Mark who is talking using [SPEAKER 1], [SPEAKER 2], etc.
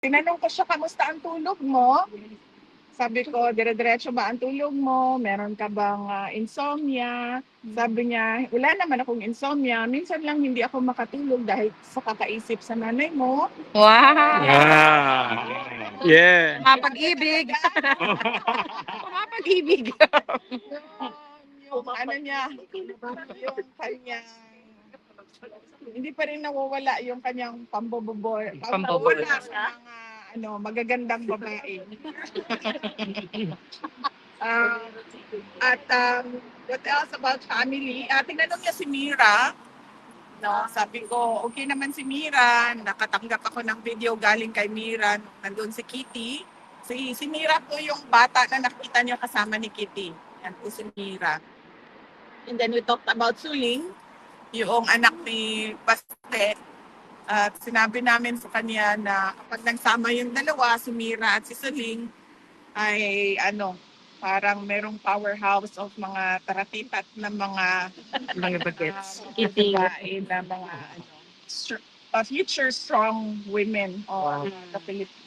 [SPEAKER 1] Tinanong ko siya, kamusta ang tulog mo? Sabi ko, dire-diretso ba ang tulog mo? Meron ka bang insomnia? Sabi niya, wala naman akong insomnia. Minsan lang hindi ako makatulog dahil sa kakaisip sa nanay mo.
[SPEAKER 2] Wow!
[SPEAKER 3] Yeah.
[SPEAKER 2] Mapag-ibig! Mapag-ibig!
[SPEAKER 1] Yung ano niya, yung kanyang, hindi pa rin nawawala yung kanyang pambobobor.
[SPEAKER 2] Pambobol.
[SPEAKER 1] Pambobor sa mga magagandang babae. What else about family? Tinanong niya si Mira. No, sabi ko, okay naman si Mira. Nakatanggap ako ng video galing kay Mira. Nandun si Kitty. Si Mira po yung bata na nakita niyo kasama ni Kitty. Yan po si Mira. And then we talked about Suling, yung anak ni Baste. At sinabi namin sa kanya na kapag nagsama yung dalawa, si Mira at si Suling, ay parang merong powerhouse of mga taratitat na
[SPEAKER 2] Mga bagets.
[SPEAKER 1] babae na mga future strong women sa Pilipinas.